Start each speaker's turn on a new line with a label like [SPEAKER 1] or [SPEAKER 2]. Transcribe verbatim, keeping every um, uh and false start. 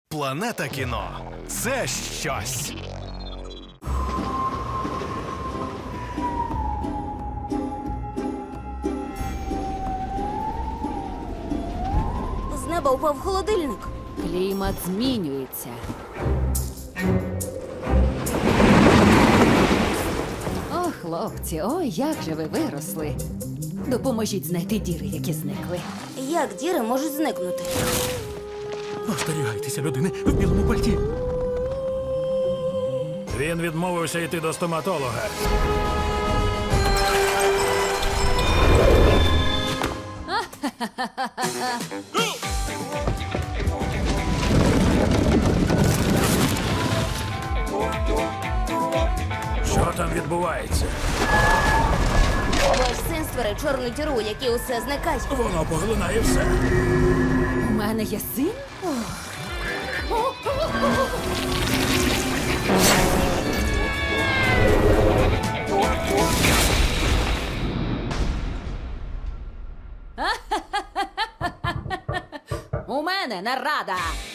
[SPEAKER 1] Планета кіно – це щось.
[SPEAKER 2] З неба упав холодильник.
[SPEAKER 3] Клімат змінюється. О, хлопці, ой, як же ви виросли. Допоможіть знайти діри, які зникли.
[SPEAKER 2] Як діри можуть зникнути?
[SPEAKER 4] Остерігайтеся людини в білому пальті.
[SPEAKER 5] Він відмовився йти до стоматолога. Що там відбувається?
[SPEAKER 2] Ваш син створив чорну діру, у якій усе зникає.
[SPEAKER 5] Воно поглинає все.
[SPEAKER 3] У мене є син? У мене нарада!